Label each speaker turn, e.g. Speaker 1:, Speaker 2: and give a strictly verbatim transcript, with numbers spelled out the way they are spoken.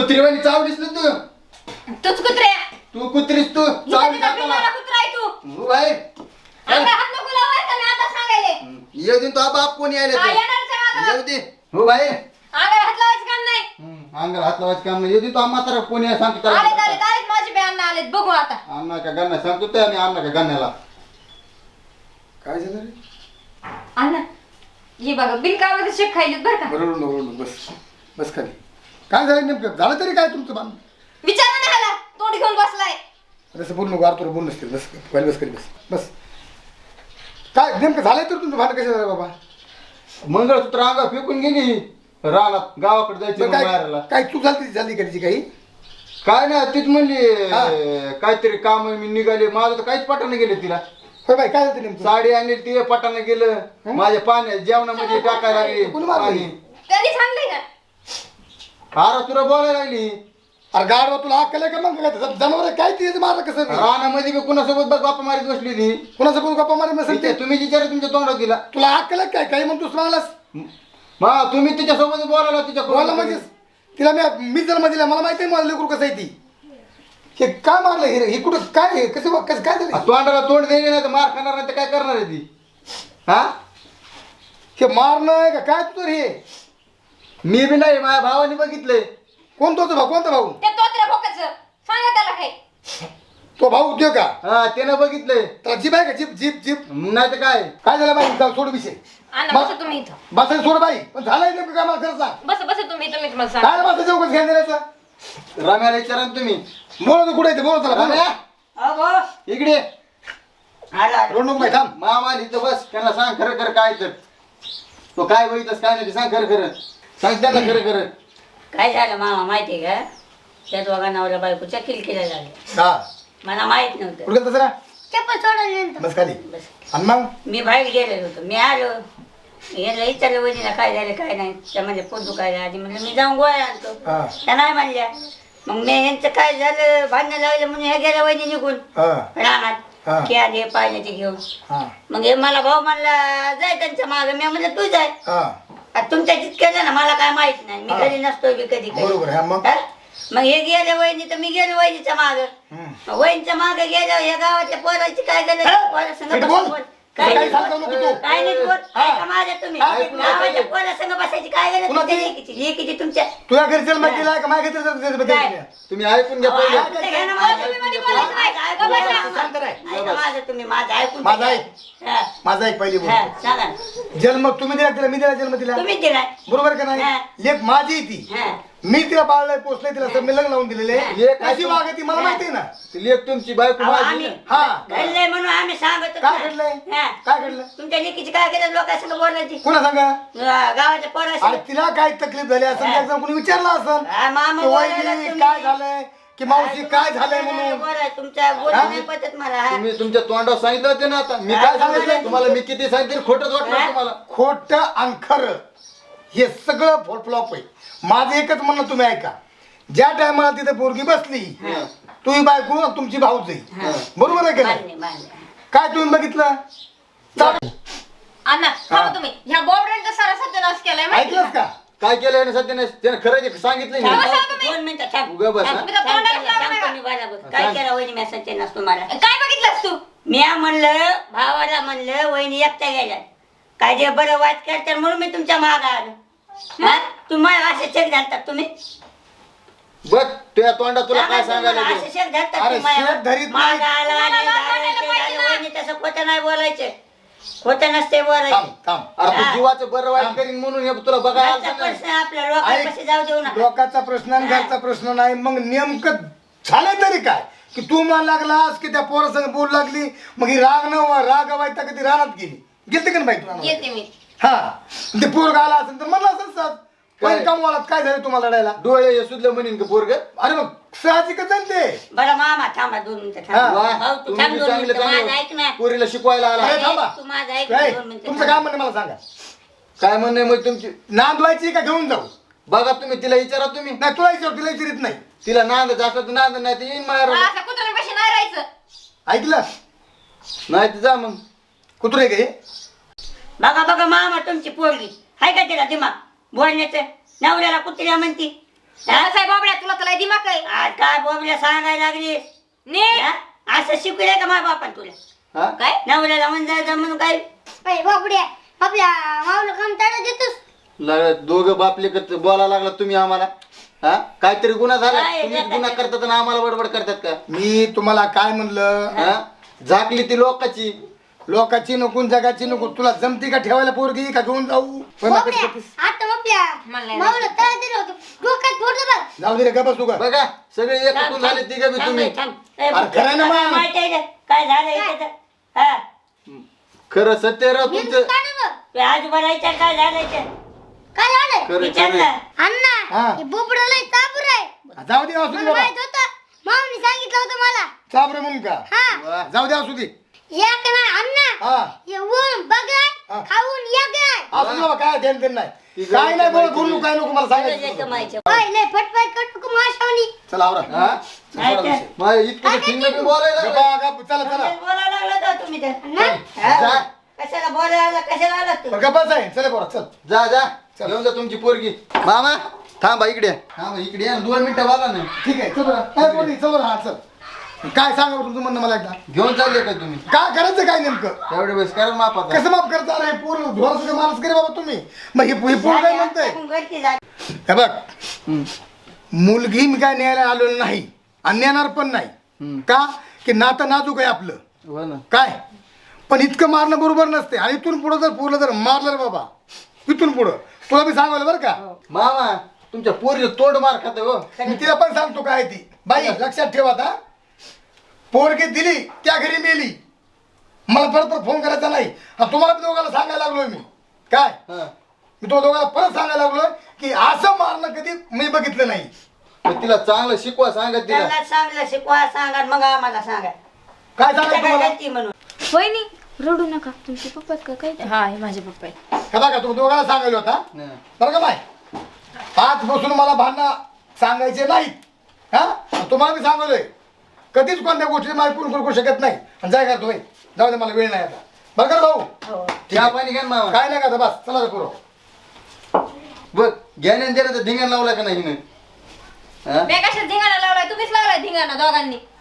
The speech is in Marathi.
Speaker 1: कुत्रीवाणी चावलीस ना तू.
Speaker 2: तूच कुत्रे
Speaker 1: तू कुत्रीस तू चावली
Speaker 2: कुत्रा आहे तू
Speaker 1: हो बाई.
Speaker 2: अंगाला हात नको लावायचा मी आता सांगायले
Speaker 1: येऊ दे तो बाप कोणी आले
Speaker 2: हा, येणारच आहे माझा
Speaker 1: येऊ दे हो बाई.
Speaker 2: अंगाला हात लावायचं काम नाही
Speaker 1: अंगाला हात लावायचं काम नाही. येऊ दे तो म्हातारा कोणी आहे सांगतो
Speaker 2: आले
Speaker 1: त्याला.
Speaker 2: आले आले माझे बी अण्णा आलेत बघू आता
Speaker 1: अण्णा का गण्णा सांगतो ते आणि अण्णा का गण्याला. काय झालं रे?
Speaker 2: अण्णा हे बघा बिनकामाचं शेक खायलेत बरं का
Speaker 1: बरोबर बरोबर बस बस खाली. काय झालं नेमकं झालं तरी काय तुमचं बांध
Speaker 2: विचारा नाही आला तोंड घेऊन बसलाय
Speaker 1: असं बोल नको आरतोर बोल नसतील बस खाली बस खाली बस बस. काय नेमकं झालंय तर तुमचं भांडण कसं झालं बाबा? मंगळसूत्र अंगा फेकून गेली रानात गावाकडे जायचं बाहेरला. काय चूक झाली झाली का तिची काही? काय नाही तीच म्हणली काहीतरी काम मी निघाले माझं तर काहीच पटाने गेले तिला. होय बाई काय झालं नेमकं? साडी आणली ती पटाने गेलं माझ्या पाण्या जेवणामध्ये टाकायला लागली पाणी.
Speaker 2: त्यांनी सांगलंय का
Speaker 1: अरे तुला बोलायला लागली. अरे गाडवा तुला अक्कल आहे का मग काय जनावर काय ती माझं कसं रानामध्ये बी कुणासोबत बघ गप्पा मारीत बसली ती. कुणासोबत गप्पा मारीत बसली ते तुम्ही विचारा तुमच्या तोंडात दिला. तुला अक्कल आहे काय काही म्हणतोस मागलास मा तुम्ही तिच्यासोबत बोलायला तिच्या बोला म्हणजे तिला मी मी जन्म दिला मला माहिती आहे मला लेकरू कसं आहे ती. हे काय मारलं हे हे कुठं काय कसं कसं काय झालं? तोंडाला तोंड देणे नाही तर मार खाणार नाही तर काय करणार आहे ती? हा हे मारणं आहे का काय तुझं हे? मी बी नाही माझ्या भावाने बघितलंय. कोण तो भाऊ कोणता भाऊ?
Speaker 2: त्या तोत्र्या भोकाचं सांगा त्याला काय
Speaker 1: तो भाऊ उद्योग का? हा त्यानं बघितलंय. त्याला जीप आहे का जीप जीप जीप नाही तर काय काय झालं बाई जाऊ सोड विषय.
Speaker 2: अण्णा बसा तुम्ही इथं
Speaker 1: बसायला सोड बाई पण झालंय नेमकं काय मला खरं सांग.
Speaker 2: बस बस तुम्ही तुम्ही तुम्हाला सांग
Speaker 1: काय बसायचं चौकच घ्या द्यायचं रम्याला विचारा तुम्ही बोलतो कुठे बोलत त्याला इकडे रोड नको बाई थांब मामा इथं बस त्यांना सांग खरं खरं काय तर तो काय बघितस काय नाही ते सांग खरं खरं सांग त्यांना खरं खरं
Speaker 3: काय झालं मामा माहिती का त्या दोघा नवऱ्या बायकोच्या किलकिल्या झाल्या.
Speaker 1: हा
Speaker 3: मला माहित नव्हतं.
Speaker 1: कुठे तसं
Speaker 2: चप्पल सोडून
Speaker 1: बस खाली
Speaker 3: बस
Speaker 1: आणि मग
Speaker 3: मी बाहेर गेलेलो होतो मी आलो याला विचारलं वहिनीला काय झालं काय नाही त्या म्हणजे पोट दुखायला आधी म्हणलं मी जाऊन गोळ्या आणतो
Speaker 1: हा
Speaker 3: त्या नाही म्हणल्या मग मी यांचं काय झालं भांडणं लागलं म्हणून ह्या गेल्या वहिनी निघून
Speaker 1: हा
Speaker 3: रानात
Speaker 1: हा.
Speaker 3: की आले पाहिजे ते घेऊन
Speaker 1: हा
Speaker 3: मग हे मला भाऊ म्हणला जाय त्यांच्या मागं मी म्हणलं तू जाय
Speaker 1: हा
Speaker 3: आता तुमच्या तिथं केलं ना मला काय माहित नाही मी
Speaker 1: हा.
Speaker 3: घरी नसतो बी कधी कधी
Speaker 1: बरोबर आहे मग
Speaker 3: हा? मग हे गेले वहिनी तर मी गेलो वहिनीच्या माग
Speaker 1: हम्म.
Speaker 3: वहिनीच्या माग गेलो या गावाच्या पोराची काय
Speaker 1: हे?
Speaker 3: गरज
Speaker 1: नीट बोल.
Speaker 3: काय
Speaker 1: काय सांगतो नको तू?
Speaker 3: काय नाही बोल
Speaker 1: हा.
Speaker 3: ऐका माझ्या तुम्ही
Speaker 1: हा, ऐकून
Speaker 3: गावाच्या
Speaker 1: ऐकून.
Speaker 3: पोरासंग बसायची काय गरज
Speaker 1: कुणाची?
Speaker 3: तुमच्या लेकीची लेकीची तुमच्या
Speaker 1: तुझ्या घरी चल माहिती आहे का माझ्या घरी
Speaker 3: काय?
Speaker 1: तुम्ही ऐकून घ्या
Speaker 3: अहो,
Speaker 1: पहिले.
Speaker 3: ऐकून तर घ्या ना माझं.
Speaker 2: तुम्ही मध्ये बोलायचं नाही.
Speaker 3: ऐका माझं.
Speaker 1: बस, शांत राह.
Speaker 3: ऐका माझं तुम्ही माझं ऐकून तर
Speaker 1: माझं
Speaker 3: घ्या.
Speaker 1: ऐक.
Speaker 3: हा.
Speaker 1: माझा एक पहिली
Speaker 3: हा,
Speaker 1: बोल
Speaker 3: सांगा ना.
Speaker 1: जन्म तुम्ही दिला तिला मी दिला जन्म दिला
Speaker 3: तुम्ही दिलाय
Speaker 1: बरोबर का
Speaker 3: हा.
Speaker 1: नाही लेख माझी आहे ती
Speaker 3: हा.
Speaker 1: मी तिला बाळलाय पोचलंय तिला तर मी लग्न लावून दिलेले कशी वागती मला माहिती आहे ना लेख तुमची बायको
Speaker 3: अहो,
Speaker 1: माझी
Speaker 3: आम्ही
Speaker 1: हा
Speaker 3: घडलंय म्हणून आम्ही सांगतो
Speaker 1: काय घडलंय
Speaker 3: हा.
Speaker 1: काय घडलं
Speaker 3: तुमच्या लेकीची काय गरज लोकांसंग बोलायची
Speaker 1: कोणा सांगा
Speaker 3: गा- गावाच्या
Speaker 1: अरे
Speaker 3: पोराशी
Speaker 1: तिला काय तकलीफ झाली असं
Speaker 3: हा.
Speaker 1: जर कोणी विचारलं असं
Speaker 3: हा, मामा
Speaker 1: की
Speaker 3: बोलायला
Speaker 1: वहिनी
Speaker 3: तुम्ही-
Speaker 1: काय झालंय की मावशी काय झालंय म्हणून
Speaker 3: बोलाय तुमच्या बोलू
Speaker 1: हा?
Speaker 3: नाही पटत मला हा.
Speaker 1: तुम्ही तुमच्या तोंडावर सांगितलं होतं ना आता मी
Speaker 3: हा,
Speaker 1: काय
Speaker 3: सांगितलं.
Speaker 1: सांगितलं तुम्हाला मी किती सांगितलं खोटंच वाटलं
Speaker 3: हा?
Speaker 1: तुम्हाला खोटं आणि खरं हे सगळं फ्लॉप आहे माझं एकच म्हणणं तुम्ही ऐका ज्या टायमाला तिथे पोरगी बसली तुम्ही बायको आणि तुमची भाऊच
Speaker 3: हा.
Speaker 1: आहे बरोबर आहे का नाही?
Speaker 3: मान्य मान्य
Speaker 1: काय तुम्ही बघितलं चाल-
Speaker 2: अण्णा थांबा तुम्ही ह्या बॉबड्यांचा सारा सत्यानाश केलाय माहिती
Speaker 1: ऐकलंस का काय केलं याने सध्या नाही त्यानं खरं सांगितलं
Speaker 3: थांब,
Speaker 1: नाही.
Speaker 2: बसा तुम्ही.
Speaker 3: दोन मिनिटं थांब.
Speaker 1: उगा बस,
Speaker 3: थांब,
Speaker 1: हा?
Speaker 3: थांब,
Speaker 2: मी तर तोंडाला
Speaker 3: थांब,
Speaker 2: लावलं
Speaker 3: थांब,
Speaker 2: नाही.
Speaker 3: तुम्ही बरोबर.
Speaker 1: हा,
Speaker 3: काय
Speaker 1: सांग.
Speaker 3: केलं वहिनी मी सत्यानाश तुम्हाला
Speaker 2: काय बघितलंस तू
Speaker 3: मी म्हणलं भावाला म्हणलं वहिनी एकट्या गेल्या काय जे बरं वाईट करतात म्हणून मी तुमच्या माग आलो हा? तुम्हाला असे चेक घालतात तुम्ही
Speaker 1: बघ तुझ्या तोंडात तुला काय
Speaker 3: सांगा
Speaker 1: सांगायला
Speaker 3: तुम्हाला
Speaker 1: ते?
Speaker 3: असे चेक घालतात
Speaker 1: अरे
Speaker 3: तुम्ही
Speaker 1: शेत धरीत
Speaker 3: मागं
Speaker 1: नाही.
Speaker 3: आला आणि
Speaker 2: तुम्हाला
Speaker 3: झालं,
Speaker 2: वाटायला
Speaker 3: ते
Speaker 2: पाहिजे
Speaker 3: झालं,
Speaker 2: ना.
Speaker 3: वहिनी तसं खोटं नाही बोलायचं खोटं नसते बोलायचं
Speaker 1: थांब थांब अरे तू
Speaker 3: हा.
Speaker 1: जीवाचं बरं वाईट करीन म्हणून हे तुला बघायला
Speaker 3: घरचा
Speaker 1: आलं नाही.
Speaker 3: प्रश्न आपल्या लोकांपाशी जाऊ देऊ नका
Speaker 1: लोकांचा प्रश्न आणि घरचा प्रश्न नाही मग नेमकं झालं तरी काय की तू मला लागलास की त्या पोरासंग बोल लागली मग ही राग न राग वाईट कधी रानात गेली गेलते का नाही बाई
Speaker 2: येते
Speaker 1: तुला
Speaker 2: मी
Speaker 1: हा ते पोरग आला असेल तर म्हणलं असेल सर काय कमवालात काय झालं तुम्हाला लढायला डोळे सुद्धा म्हणेन का पोरग अरे मग साहजिकच आहे ना ते
Speaker 3: बरं मामा थांबा दोन मिनिटं
Speaker 1: हा.
Speaker 3: थांब
Speaker 1: वा.
Speaker 3: भाऊ तू
Speaker 1: तुम्ही
Speaker 3: थांब
Speaker 1: बी
Speaker 3: दोन
Speaker 1: चांगलं
Speaker 3: मिनिटं माझं
Speaker 1: चांगलं
Speaker 3: ऐक ना
Speaker 1: पोरीला शिकवायला आला अरे थांबा.
Speaker 3: तू माझं ऐक
Speaker 1: काय?
Speaker 3: दोन मिनिटं
Speaker 1: तुमचं
Speaker 3: थांब.
Speaker 1: काय म्हणणं मला सांगा काय म्हणणं आहे मग तुमची नांद व्हायची का घेऊन जाऊ बघा तुम्ही तिला विचारा तुम्ही नाही तुला विचार तिला विचारित नाही तिला नांद असलं तर नांद नाही तर येईन मारा
Speaker 2: असं कुत्र्यांपाशी नाही राहायचं
Speaker 1: ऐकलं नाही तर जा मग कुत्रे गे
Speaker 3: बघा बघा मामा तुमची पोरगी हाय का तिला दिमाग बोलण्याचं नवऱ्याला कुत्र्या म्हणती
Speaker 2: कसं आहे बाबड्या, तुला तर लय दिमाग आहे.
Speaker 3: आज काय बोबड्या सांगायला लागलीस
Speaker 2: नीट.
Speaker 3: हा? असं शिकवलंय का माझ्या बापान तुला
Speaker 1: हा
Speaker 2: काय
Speaker 3: नवऱ्याला म्हणजायचं म्हणून काय
Speaker 4: बाबड्या आपल्या माऊला काम ताडा देतोस.
Speaker 1: लागलं दोघं बापले बोलायला लागला तुम्ही आम्हाला. हा काहीतरी गुन्हा झाला,
Speaker 3: काय
Speaker 1: तुम्ही
Speaker 3: करतात?
Speaker 1: गुन्हा करतात आणि आम्हाला बडबड करतात का? मी तुम्हाला काय म्हणलं, हा झाकली ती लोकाची, लोकाची नको जगाची नको. तुला जमती का ठेवायला पोरगी का घेऊन जाऊ?
Speaker 4: बाबड्या आता आपल्या
Speaker 2: मला नाही
Speaker 4: माऊला ताडा दिलं होतं डोक्यात फोडलं बघ.
Speaker 1: जाऊ दे रे, गप्प बसू का? बघा सगळे एकूण झाले तिघं बी तुम्ही. अरे खरं ना मग.
Speaker 3: माहिती आहे का? काय झालं इथे हा
Speaker 1: खरं सत्य राव
Speaker 4: मी
Speaker 1: तुमचं.
Speaker 4: काढू बघ.
Speaker 3: तू आजोबा राहायच्या काय झालं इथे
Speaker 4: काय झालं
Speaker 1: खरं
Speaker 3: विचार
Speaker 1: खरं.
Speaker 3: ना
Speaker 1: हा.
Speaker 4: अण्णा हे बोबडं लय चाबूर आहे.
Speaker 1: जाऊ दे असू दे
Speaker 4: मला
Speaker 1: बाबा.
Speaker 4: माहित होतं माऊनी सांगितलं होतं मला.
Speaker 1: चाबरे म्हणून का?
Speaker 4: हा
Speaker 1: वा, जाऊ दे असू दे.
Speaker 4: या का नाही अण्णा
Speaker 1: हा
Speaker 4: हे ऊन बघाय
Speaker 1: हा.
Speaker 4: खाऊन या काय
Speaker 1: असू दे बाबा, काय टेन्शन नाही. ती काय नाही बोल, माहिती बोलू काय नको मला
Speaker 3: तुझं
Speaker 1: सांगायचं.
Speaker 3: कमायचं
Speaker 4: ओय लय फटफट कटू माशावणी.
Speaker 1: चला आवरा. हा
Speaker 3: काय ते?
Speaker 1: माझ्या इतकं ठिंग बी बोलायला लागलं. चला चला
Speaker 3: बोलायला लागला का तुम्ही तर
Speaker 4: अण्णा
Speaker 3: हा?
Speaker 1: जा.
Speaker 3: कशाला बोलायला कशाला आला तू
Speaker 1: गप्पाच आहे. चला पोरा चल. जा जा घेऊन जा तुमची पोरगी. मामा थांबा इकडे. थांबा इकडे या, दोन मिनिटं बोला ना. ठीक आहे चल बरं. काय पोरगी चल बरं. हा चल. काय सांगा बरं तुमचं म्हणणं मला एकदा. घेऊन चालले का तुम्ही? काय करायचं काय नेमकं? तेवढे वेळेस करा माफ. कसं माफ करता रे? पोर ढोराचं माणूस करे बाबा तुम्ही. मग हे हे पोर काय म्हणतंय?
Speaker 3: टाकून घरची जा.
Speaker 1: हे बघ, मुलगी मी काय न्यायला आलेलो नाही आणि नेणार पण नाही. का की नातं नाजूक आहे आपलं. काय पण इतकं मारणं बरोबर नसते. आणि इथून पुढं जर पोरलं जर मारलं रे बाबा, इथून पुढं तुला मी सांगवलं बरं का मामा, तुमच्या पोरीचं तोंड मार खात हो. मी तिला पण सांगतो काय ती बाई लक्षात ठेवा. आता पोरगी दिली त्या घरी मेली, मला परत परत फोन करायचा नाही. आणि तुम्हाला दोघांना सांगायला लागलोय मी. काय मी तो दोघांना परत सांगायला लागलोय की असं मारणं कधी मी बघितलं नाही. तिला चांगलं शिकवा सांगा तिला.
Speaker 3: त्यांना चांगलं शिकवा सांगा मग आम्हाला सांगा
Speaker 1: काय
Speaker 3: तुमच्या
Speaker 1: सांगा
Speaker 3: काय
Speaker 1: तुम्हाला?
Speaker 3: गलती म्हणून
Speaker 2: वहिनी.
Speaker 4: रडू नका तुमचे पप्पा का काय
Speaker 2: हा हे माझे पप्पा आहे.
Speaker 1: हे बघा तुम्ही दोघांना सांगायला होता बरं का बाय. आज बसून मला भांडणं सांगायचे नाहीत. हा तुम्हाला मी सांगलोय कधीच कोणत्या गोष्टी मला कोण करू शकत नाही. आणि जाय का तुम्ही जाऊ दे, मला वेळ नाही आता. बरं का रे भाऊ?
Speaker 3: हो
Speaker 1: चहा पाणी घ्या मामा. काय नाही का बस चला करू. बघ घ्याने धिंगाण लावला का नाही?
Speaker 2: मी कशाला धिंगाणा लावलाय? तुम्हीच लावलाय धिंगाणा दोघांनी.